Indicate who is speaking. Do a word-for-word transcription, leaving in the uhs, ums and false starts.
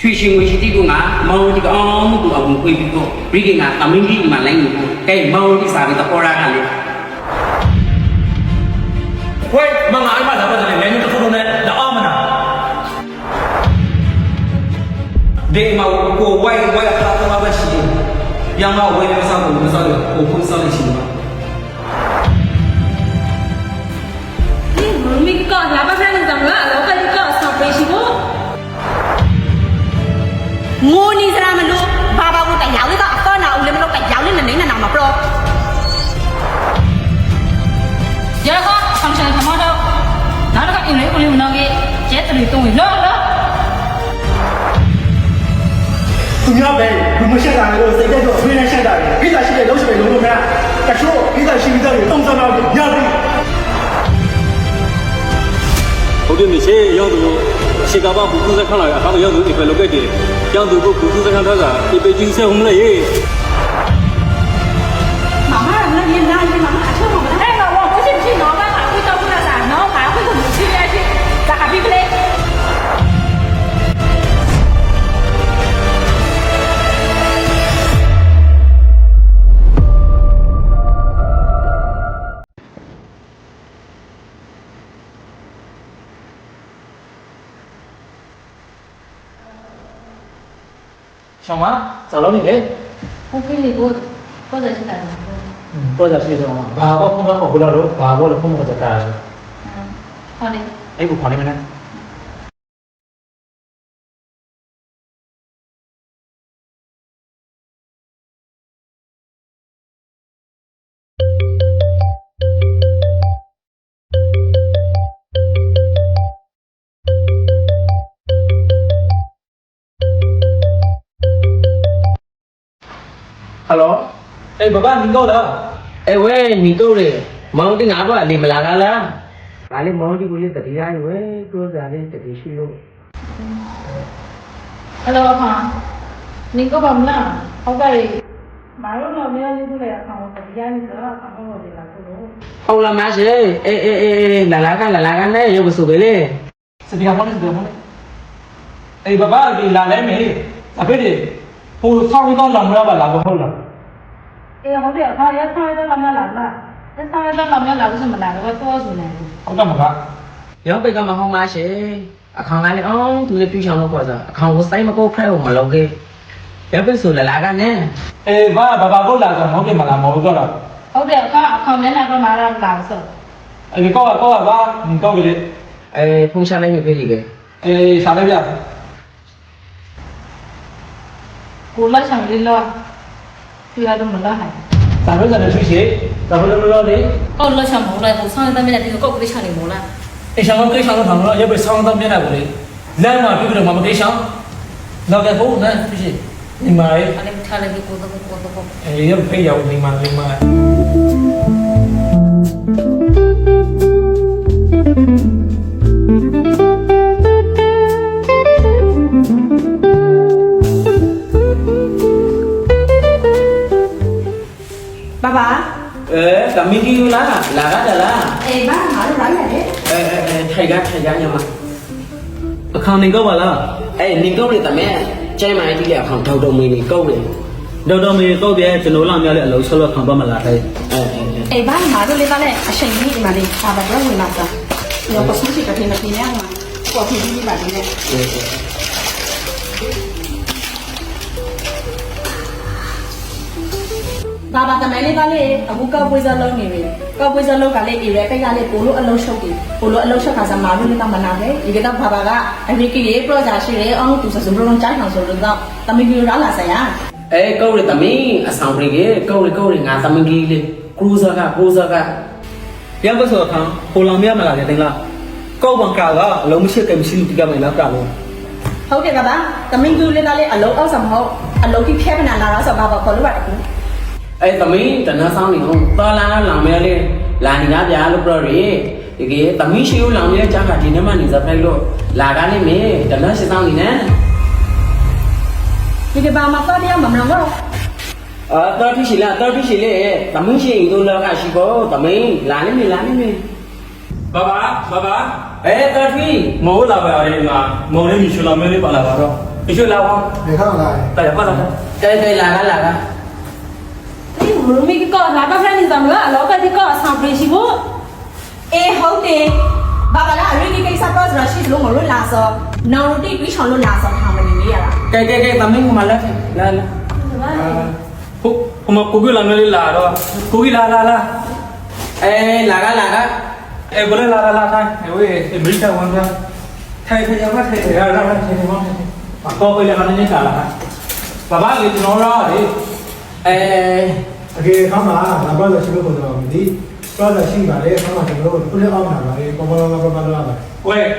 Speaker 1: ရွှေရှင်ငွေရှိတိကငါမောင်ဒီကောင်မှုအောင်ကိုပြီးတော့ဘရိကငါတမင်းကြီးမှလိုင်းကိုကဲမောင်ဒီစာပြီးတော့ရာကလေ
Speaker 2: ဝေးမငါအမလာပါတယ်လည်းညတို့နဲ့တော့မနာဒီမှာကိုဝိုင်းဝိုင်းခါတော့ပါရှိတယ်ရမဝေးနေစားလို့မစားလို့ကိုဖုန်းစားနေရှိမှာ
Speaker 3: ဒီမမီကလာပါဖက်နေတာလားလောကကြီးကဆောက်ပေးရှိဖို့ငိုနေစရာမလို့ဘာဘာကိုတရားလေးကအတော့နာဦးလည်းမလို့တရားလေးနဲ့နေနေနာမှာပရောရခါဆမ်ဆန်ထမတော့နားကအင်းလေးကိုလေးမနောကြီးကျဲတလီတုံးလောလော
Speaker 4: သူများပဲလူမရှက်တာလည်းစိတ်တက်တော့အဖေနဲ့ရှက်တာလေဖိစာရှိတဲ့လုံးရှိတဲ့လုံးလုံးများတချို့ဖိစာရှိပြီးတော့တုံးစားတော့ညပြီ
Speaker 5: ဟုတ်တယ်မရှိရောက်သူရှေကဘာဘူးသူစခန်းလာအခါရောက်သူဒီပဲလောက်ကတည်းရောက်သူကိုဘူးသူစခန်းထားတာဒီပေချင်းဆက်ဟုတ်မလားယေ
Speaker 3: 妈妈，那你那你妈妈吃我们那个，我不信去拿办法会到不了噻，然后还会怎么去呀去？咋个比不嘞？
Speaker 2: 小马找到你嘞
Speaker 3: 我给你过，或者是哪个？
Speaker 4: ပေါ်ကြရှိတော့ဘာဘောဖုန်းကောဘလာတော့ဘာဘောလည်းဖုန်းကတတာ
Speaker 3: 嗯，好嘞。
Speaker 4: အဲ့ကိုခေါ်နေမလားဟယ်လို
Speaker 2: အေးဘဘ你够了
Speaker 1: 哎喂，你够了，毛的拿过来，你们哪个了？哪里毛的过来？这里来喂，多少的这里去喽
Speaker 3: ？Hello 阿胖，你够吧没啦？好个嘞，马路那边你过来看我这边你这看我这来不喽？
Speaker 1: 好了，没事，哎哎哎哎，来来看来来看嘞，有个手机嘞。
Speaker 2: စတီယာဖုန်းနဲ့စတီယာဖုန်းနဲ့အေးဘဘဒီလာလဲမေအဖေဒီဟိုဆောင်းတော့လာမရပါလားဘဟုတ်လား
Speaker 3: 哎，好的，他也上一个老苗来了，这上一个老苗来为什么来了？我多少呢？
Speaker 2: ဟုတ်တယ်မက
Speaker 1: 有别个嘛好嘛些，啊看来嘞哦，都是比上路过着，看我塞么个快我们老个，有别说来来看呢。
Speaker 2: အေးဘာဘဘကိုလာဆိုမဟုတ်တယ်မလားမဟုတ်တော့လား
Speaker 3: 好的，他他们那个马上来了。
Speaker 2: အေးကောကောဘာ你ကောကလေး
Speaker 1: 哎，碰上来没别个。
Speaker 2: အေးစားလိုက်ပြ
Speaker 3: ကိုလာဆောင်လေးလောပြရတော့မလားဟဲ့
Speaker 2: စားလို့စားလို့ရှိရှိစားလို့မလို့လေ
Speaker 3: ကောလာဆောင်မလားကိုဆောင်တဲ့မြတ်ဒီကောကိုချနေမလား
Speaker 2: အေးဆောင်ကိဆောင်တော့တော့ရပဲဆောင်းတော့မျက်နှာကိုလေလမ်းမှာပြပြီးတော့မမကိဆောင်နောက်ကဘုန်းနဲ့ရှိရှိဒီမှာလေ
Speaker 3: အဲ့ဒါထားလိုက်ကိုတော့ကိုတော့
Speaker 2: အေးရဖေးရောက်ဒီမှာဒီမှာ
Speaker 3: 爸爸
Speaker 1: အဲကမင်းကြီးလားလာကြလား
Speaker 3: အေးဘာငါတို့လာရတယ်
Speaker 1: အဲအဲအဲထိုင်ကထိုင်ကညမ
Speaker 2: အခါနေကောပါလား
Speaker 1: အဲနင်ကုတ်လေတမဲကျဲမိုင်းကြီးလေအခါထောက်တော့မင်းနေကုတ်လေ
Speaker 2: ဒေါက်တာမေကောက်တယ်ကျွန်တော်လာများလေအလုံးဆက်လို့ခံပါမလားဟဲ့
Speaker 1: အဲ
Speaker 3: အေးဘာငါတို့လေးပါလေအချိန်ကြီးဒီမှာလေးပါပါတော့ဝင်လာတာရောပစုစီကတင်နေပြရမှာကိုဖြစ်ပြီးပါလေဘာဘာကမလေးကလေးအခုကောက်ပွေးစလုံးနေပြီကောက်ပွေးစလုံးကလေးအေးရဲကိတ်ကလေးပိုလို့အလုံးရှုပ်တယ်ပိုလို့အလုံးရှုပ်ခါစားမာလို့လည်းမနာပဲဒီကတော့ဘာဘာကအမေကြီးပရောဂျာရှိတယ်အောင်သူစစဘလုံးချိုင်းအောင်ဆိုတော့တမီကြီးရောလာဆရာ
Speaker 1: အဲကုတ်လေတမင်းအဆောင်ပြေကေကုတ်လေကုတ်လေငါသမင်းကြီးလေကရူဇာကကရူဇာက
Speaker 2: ရပါဆိုအခါဟိုလောင်မြမလာတယ်တင်လားကောက်ပံကာကအလုံးမရှိကိမရှိတိကမယ်လားကလို့
Speaker 3: ဟုတ်တယ်ကဗျာတမင်းကြီးလေးကလေးအလုံးအောက်ဆောင်မဟုတ်အလုံးကြီးဖျက်ပနာလာတော့ဆိုဘာဘာခေါ်လို့ပါတယ်ကူ
Speaker 1: အဲသမင်းတနဆောင်နေအောင်တော်လာလောင်မဲလေလာနေလားဗျာလို့ပြောရည်ဒီကေသမင်းရှိဦးလောင်မဲကြာခါဒီနေ့မှနေစားဖိုက်လို့လာကားနေမေတနရှိဆောင်နေနဲ့
Speaker 3: ဒီကဘာမှာတော့တရားမမလို့
Speaker 1: အာတော်တိရှိလားတော်တိရှိလေသမင်းရှိရင်တို့လောကရှိဖို့သမင်းလာနေမေလာနေမေ
Speaker 2: 爸爸爸爸
Speaker 1: 哎，大飞，
Speaker 2: 我老爸儿嘛，我那米去了没得把那个了。 你去拉我，
Speaker 4: 你看来，
Speaker 2: 大家过来。
Speaker 1: ကဲကဲလာကလာက
Speaker 6: ဒီမလို့မိကောလာပါဖက်နေတယ်မလားလောကဒီကောဆောင်ပြေရှိဖို့
Speaker 3: အေးဟုတ်တယ်ဘာဘာလာရီဒီကိစ္စတော့ရရှိလို့မလို့လာစောနောင်တိပြီးချောင်းလို့လာစောထားမနေရတာ
Speaker 1: ကဲကဲကဲသမင်းကမလာလာလာ
Speaker 2: ဟိုဟိုမကိုကြီးလာငလေးလာတော့ကိုကြီးလာလာလာ
Speaker 1: အဲလာကလာက
Speaker 2: အဲဘယ်လာလာလာထိုင်အဲဝေးအမေရိကန်ဝန်သားထိုင်ထိုင်ရပါထိုင်ရလာလာထိုင်နေမှာဘာကိုလည်းကနေကြလာဘာဘာလေးကျွန်တော်ရောလေ
Speaker 1: အဲ
Speaker 4: OK，他妈，那把这些个活动，你把这些把这他妈全部都不是安排了，帮帮帮帮帮帮。
Speaker 2: ဝေး